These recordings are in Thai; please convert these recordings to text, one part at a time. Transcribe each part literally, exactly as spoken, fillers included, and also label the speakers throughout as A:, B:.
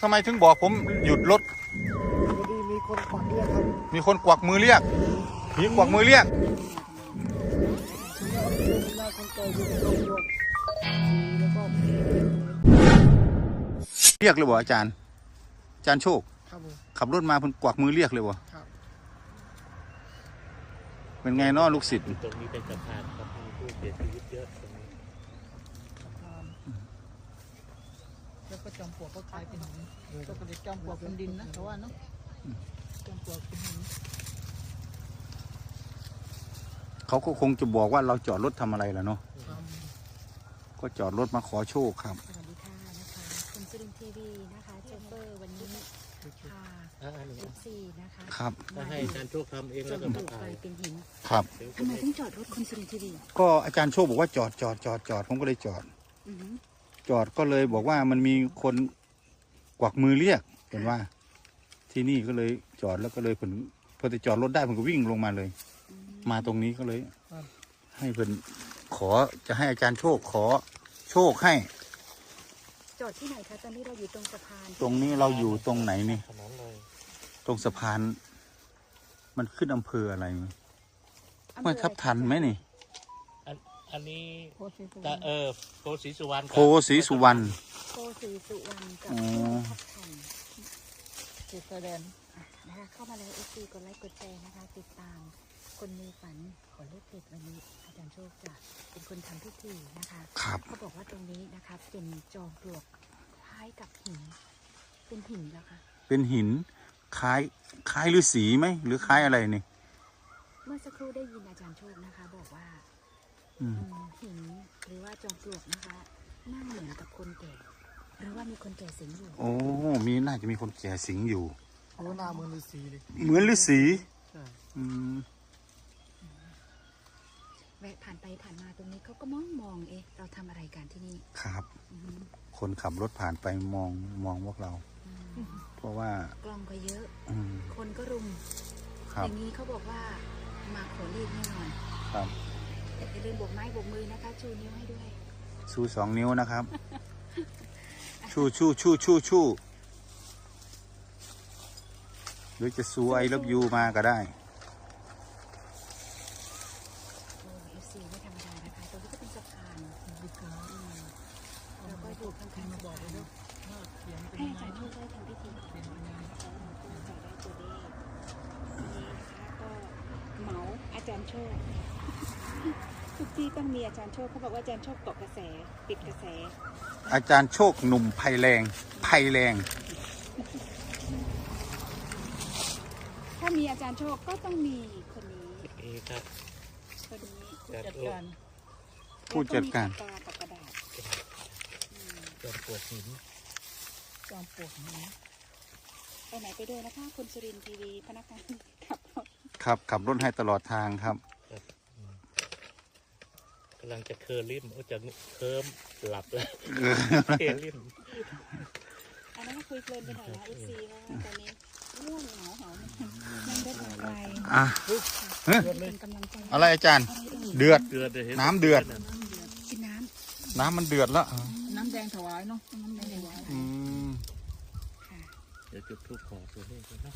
A: ทำไมถึงบอกผมหยุดรถ
B: พอดีมีคนกวักเรียกครับ
A: มีคนกวักมือเรียกผีกวักมือเรียกเรียกเลยบ่อาจารย์อาจารย์โชคขับรถมาเพิ่นกวักมือเรียกเลยบ่เป็นไงเนาะลูกศิษย์
C: ตรงนี้เป็นสะพานครับมีผู้เสียชีวิตเยอะตรงนี้
B: แล้วก็จอมปลวกก็กลายเป็นหินก็เป็นจอมปลวกเป็นดินนะแต่ว่าเนาะจอมปลวกเป็นหิน
A: เขาก็คงจะบอกว่าเราจอดรถทำอะไรล่ะเนาะก็จอดรถมาขอโชคครับ
D: สวัสดีค่ะนะคะคุณสุรินทร์ทีวีนะคะโชเฟอร์วันนี้ค่ะเอฟซีนะคะ
A: ครับ
C: ถ้าให้อาจารย์โชคทำเองแล้วก็มาถ่าย
D: เป็นหิน
A: ครับ
D: ทำไมต้องจอดรถคุณสุรินทร์ทีวี
A: ก็อาจารย์โชคบอกว่าจอดจอดจอดจอดผมก็เลยจอดจอดก็เลยบอกว่ามันมีคนกวักมือเรียกเห็นว่า ที่นี่ก็เลยจอดแล้วก็เลยผมพอจะจอดรถได้ผมก็วิ่งลงมาเลย มาตรงนี้ก็เลยให้เพิ่นขอจะให้อาจารย์โชคขอโชคให้
D: จอดที่ไหนคะตอนนี้เราอยู่ตรงสะพาน
A: ตรงนี้เราอยู่ตรงไหนนี่
C: ถนนเลย
A: ตรงสะพานมันขึ้นอำเภออะไรไม่ทับทันไหมนี่
C: อันอันนี้ตะเออโพสีสุวรรณ
A: โพสีสุวรรณ
D: โพสีสุวรรณกับทับทัน
B: เจตแดน
D: นะคะเข้ามาแล้วเอฟซีกดไลค์กดแชร์นะคะติดตามคนมีฝันขอเลขเด็ดวันนี้อาจารย์โชคจะเป็นคนทำพิธีนะคะเขาบอกว่าตรงนี้นะคะเป็นจอมปลวกคล้ายกับหินเป็นหินแล้วค่ะ
A: เป็นหินคล้ายคล้ายฤาษีไหมหรือคล้ายอะไรนี่
D: เมื่อสักครู่ได้ยินอาจารย์โชคนะคะบอกว่าหินหรือว่าจอมปลวกนะคะนั่งเหมือนกับคนแก่หรือว่ามีคนแก่สิงอยู่
A: โอ้มีน่าจะมีคนแก่สิงอยู่
B: โอ้หน้าเหมือนฤาษีเลย
A: เหมือนฤาษีอืม
D: แวะผ่านไปผ่านมาตรงนี้เขาก็มองมองเอ๊ะเราทำอะไรกันที่นี่
A: ครับคนขับรถผ่านไปมองมองพวกเราเพราะว่าก
D: ล้องก็เยอะคนก็รุมอย่างนี้เขาบอกว่ามาขอเลขแน่นอน
A: ครับ
D: แต่อย่าลืมโบกไม้โบกมือนะคะชูนิ้วให้ด้วย
A: ชูสองนิ้วนะครับชูชูชูชูชูหรือจะซูไอรับยูมาก็ได้
D: แล้วก็อยู่ข้างๆมาบอกเลยนะให้อาจารย์โชคได้ทำพิธีจะได้ตัวเลขนี้นะคะก็เหมาอาจารย์โชคทุกที่ต้องมีอาจารย์โชคเขาบอกว่าอาจารย์โชคเกาะกระแสติดกระแส
A: อาจารย์โชคหนุ่มไผ่แรงไผ่แรง
D: ถ้ามีอาจารย์โชคก็ต้องมีคนนี้
C: นี่ครับ
D: คนนี้
B: ผู้จัดการ
A: ผู้จัดการ
D: ปากกระดาษ
C: จอมปลวกหิน
B: จอมปลวกหิน
D: ไปไหนไปด้วยนะคะคุณสุรินทร์ทีวีพนักงานขับรถ
A: ครับขับรถให้ตลอดทางครับ
C: กำลังจะเคอร์ลิ่มโอ้จะเคิร์มหลับแล้วเคอร์ลิ่ม
D: อันนั้นคุยเพลินไปหน่อยนะเอฟซีว่าตอนนี้ง่วงเหงาเหงานั่งได้ไกล
A: อ่ะ
D: เป็นกำลังใจ
A: อะไรอาจารย์เดือดน้ำเดือด
D: กินน้
A: ำน้ำมันเดือดแล้ว
B: น้ำแดงถวายเนาะน้ำแดงถวาย
A: อืม
C: เดี๋ยวจุดธูปขอตัวเลขนะ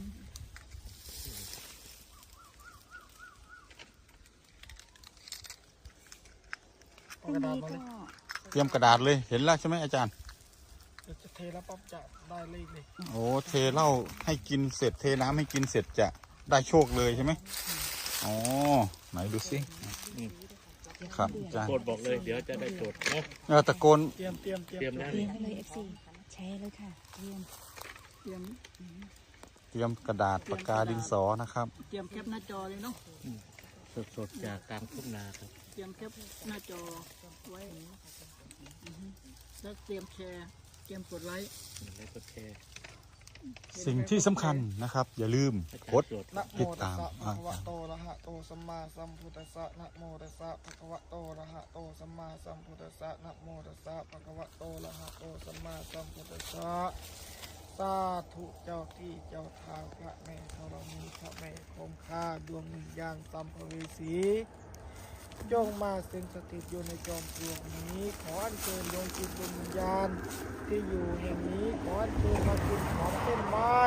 D: พรุ่งนี้ก็
A: เตรียมกระดาษเลยเห็นแล้วใช่ไหมอาจารย์
B: จะเทแล้วปั๊บจะได้เลขเลย
A: โอ้เทเหล้าให้กินเสร็จเทน้ำให้กินเสร็จจะได้โชคเลยใช่ไหมอ๋อไหนดูสิครับอาจารย์
C: โกนบอกเลยเดี๋ยวจะได้จดนะ
A: เออตะโกน
B: เตรียมเตรียมเตรี
C: ยมได้
D: เลยเอฟซีแชร์เลยค่ะเตรียม
B: เตรียม
A: เตรียมกระดาษปากกาดินสอนะครับ
B: เตรียมแคปหน้าจอเลยเนาะ
C: สดๆจากกลางทุ่งนาครับ
B: เตรียมแคปหน้าจอไว้แล้วเตรียมแชร์เตรียมกดไลค์
C: แล้วกดแชร์
A: สิ่งที่สำคัญนะครับอย่าลืมกดติดตาม
B: ภะคะวะโตอะระหะโตสัมมาสัมพุทธัสสะนะโมตัสสะภะคะวะโตอะระหะโตสัมมาสัมพุทธัสสะนะโมตัสสะภะคะวะโตอะระหะโตสัมมาสัมพุทธัสสะสาธุเจ้าที่เจ้าทางพระแม่ธรณีพระแม่คงคาดวงวิญญาณสัมภเวสีจงมาสิงสถิตอยู่ในจอมปลวกนี้ขออัญเชิญดวงจิตดวงวิญญาณที่อยู่แห่งนี้ขออัญเชิญมา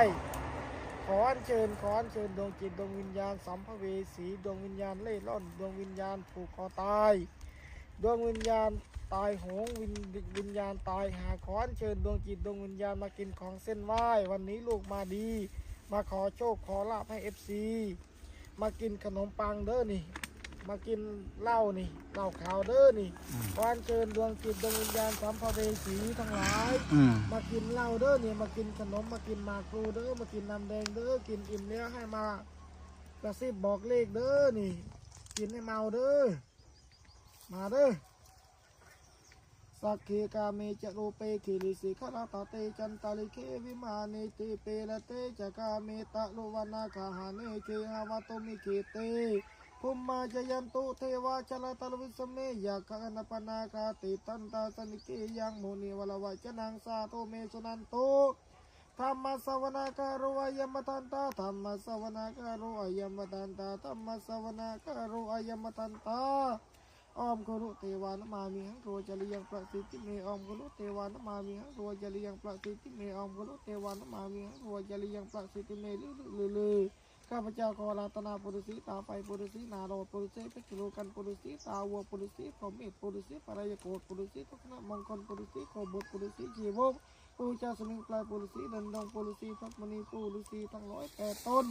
B: ขออัญเชิญขออัญเชิญดวงจิตดวงวิญญาณสัมภเวสีดวงวิญญาณเล่ร่อนดวงวิญญาณผูกคอตายดวงวิญญาณตายโหงวิญวิญญาณตายหาขออัญเชิญดวงจิตดวงวิญญาณมากินของเส้นไหว้วันนี้ลูกมาดี มาขอโชคขอลาภให้เอฟซีมากินขนมปังเด้อนี่มากินเหล้านี่เหล้าขาวเด้อนี่ขออัญเชิญดวงจิตดวงวิญญาณสัมภเวสีทั้งหลาย
A: อืม
B: มากินเหล้าเด้อเนี่ยมากินขนมมากินหมากพลูเด้อมากินน้ำแดงเด้อกินอิ่มแล้วให้มากระซิบบอกเลขเด้อนี่ กินให้เมาเด้อมาเด้อสักเคกาเมจะโรเปคิริสิขลาตาเตจันตาลิเควิมาเนติเปละเตจะกาเมตะโลวานาคาหาเนเคหาวาโตมิเคเตภุมมาจยันตุเทวาชลตลวิสเมยาคันปนาคาติตันตาสนิเกยังโมนิวลวะจนังสาโตเมสุนันโตธรรมสวนาการุอายัมตันตาธรรมสวนาการุอายัมตันตาธรรมสวนาการุอายัมตันตาอมกุลุเทวานมามิหังโรจริยังประสิทธิเมอมกุลุเทวานมามิหังโรจริยังประสิทธิเมอมกุลุเทวานมามิหังโรจริยังประสิทธิเมลือลือลือข้าพเจ้าขอรัตนาปุริสีตาไฟปุริสีนาโรปุริสีเพชรโลกันปุริสีตาวัวปุริสีพรหมเอตปุริสีปรายโกฏปุริสีทุกขณะมังกรปุริสีโคบุตรปุริสีชีวกปูเจ้าสมิงปลายปุริสีดันดงปุริสีพักมณีปุริสีทั้งร้อยแปดต้น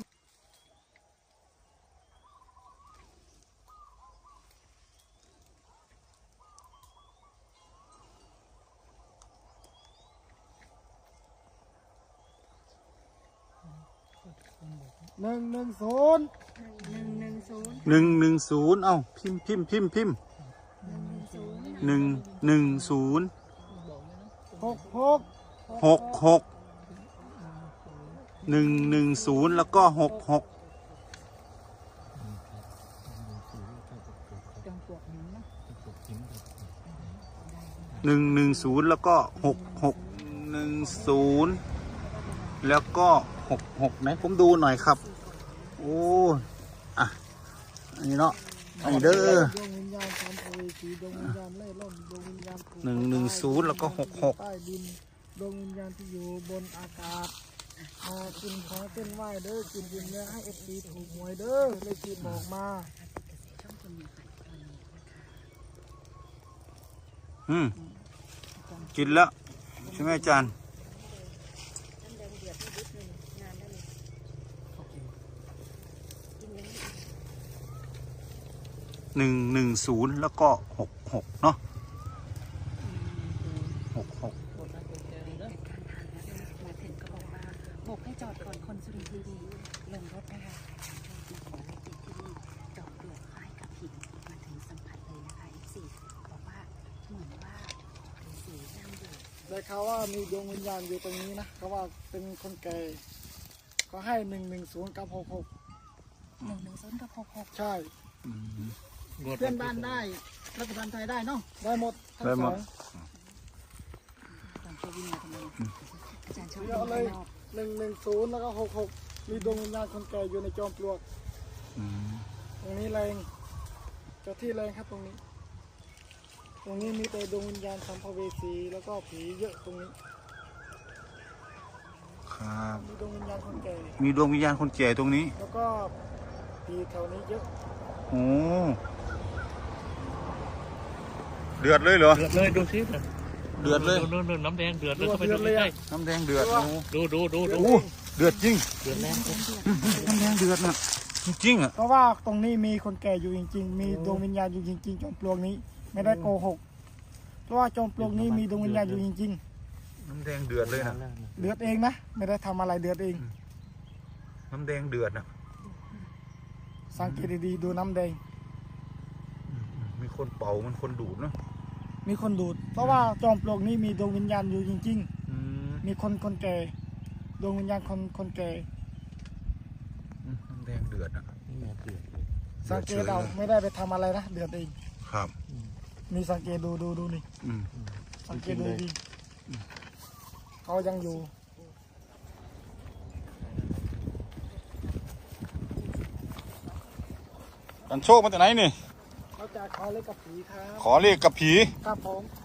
B: หนึ่งหนึ่งศูนย์
D: หนึ่งหนึ่งศูนย์
A: หนึ่งหนึ่งศูนย์เอ้าพิมพ์พิมพ์พิมพ์พิมพ์
D: หนึ่งหนึ่งศูนย์
A: หนึ่งหนึ่งศูนย์
B: หกหก
A: หกหกหนึ่งหนึ่งศูนย์แล้วก็หกหก
D: จงปลวกหินนะ
A: หนึ่งหนึ่งศูนย์แล้วก็หกหกหนึ่งศูนย์แล้วก็หกหกไหนผมดูหน่อยครับโอ้อะอันนี้เนาะอันนี้เด้อ
B: ดวงวิญญาณสัมภเวสีดวงวิญญาณเล่ร่อนดวงวิญญาณผูก
A: หนึ่งหนึ่งศูนย์แล้วก็หกหก
B: ใต้ดินดวงวิญญาณที่อยู่บนอากาศมากินของเส้นไหว้เด้อกินกินเนื้อให้เอฟซีถูกหวยเด้อเลยกินบอกมา
A: อืมกินแล้วใช่ไหมอาจารย์
D: น้ำแดงเดือดให้ดิบหนึ่งงานได้เลยกินยังไง
A: หนึ่งหนึ่งศูนย์แล้วก็หกหกเนาะหกหก
D: มาถึงก็บอกว่าโบกให้จอดก่อนคนสุรินทร์ทีวีลงรถนะคะมาขอเลขเด็ดที่นี่จอดเปลือกคล้ายกับหินมาถึงสัมผัสเลยนะคะอีกสี่บอกว่าเหมือนว่าเป็นสีนั่งอยู่
B: ได้ข่าวว่ามีดวงวิญญาณอยู่ตรงนี้นะเขาว่าเป็นคนแก่ก็ให้หนึ่งหนึ่งศูนย์กับหกหก
D: หนึ่งหนึ่งศูนย์กับหกหก
B: ใช่
A: อืม
B: เพื่อนบ้านได้รัฐบาลไทยได้เนาะได้หมดทั้ง
A: ได้
B: ส
A: หม
B: อ
A: ด
B: ง
D: ตอนที่วิ่งมาทำไมอาจารย์ชอบ
B: เดี๋ยว
D: วิ่ง
B: เล
D: ข้าย งนอก
B: หนึ่งหนึ่งศูนย์แล้วก็หกหกมีดวงวิญญาณคนแก่อยู่ในจอมปลวก
A: อืม
B: ตรงนี้แรงเจ้าที่แรงครับตรงนี้ ตรงนี้มีแต่ดวงวิญญาณสัมภเวสีแล้วก็ผีเยอะตรงนี้
A: ครับ
B: มีดวงวิญญาณคนแก่
A: มีดวงวิญญาณคนแก่ตรงนี้
B: แล้วก็ผีแถวนี้เยอะ
A: โอ้เดือดเลยเหรอ
C: เดือดเลยดูสิ
A: เดือดเลย
C: ดูดูน้ำแดงเดือดเลยเข้าไปดูใกล้
A: น้ำแดงเดือดโอ้
C: ดูดูดูดู
A: โหเดือดจริง
C: เดือดแรง
A: น้ำแดงเดือดน่ะจริงๆอ่ะ
B: เพราะว่าตรงนี้มีคนแก่อยู่จริงๆ มีดวงวิญญาณอยู่จริงๆจอมปลวกนี้ ไม่ได้โกหก เพราะว่าจอมปลวกนี้มีดวงวิญญาณอยู่จริง
A: น้ำแดงเดือดเลยนะ
B: ๆ เดือดเองนะ ไม่ได้ทำอะไรเดือดเอง
A: น้ำแดงเดือดนะ
B: สังเกตดีๆดูน้ำแดง
A: อืมมีคนเป่ามันคนดูดเนาะ
B: มีคนดูด เพราะว่าจอมปลวกนี้มีดวงวิญญาณอยู่จริง
A: อืม
B: ๆ มีคนคนแก่ ดวงวิญญาณคนคนแก่
A: อืมน้ำแดงเดือดอ่ะ
C: นี่ไงเดือดเลย
B: สังเกตเอาไม่ได้ไปทำอะไรนะ เดือดเอง
A: ครับ
B: มีสังเกตดูดูดูนี่
A: อืม
B: สังเกตดูดีเขายังอยู่
A: กันโชคมาจากไหนนี่
B: เขาจะขอเลขกับผีครับ
A: ขอเลขกับผี
B: ครับผม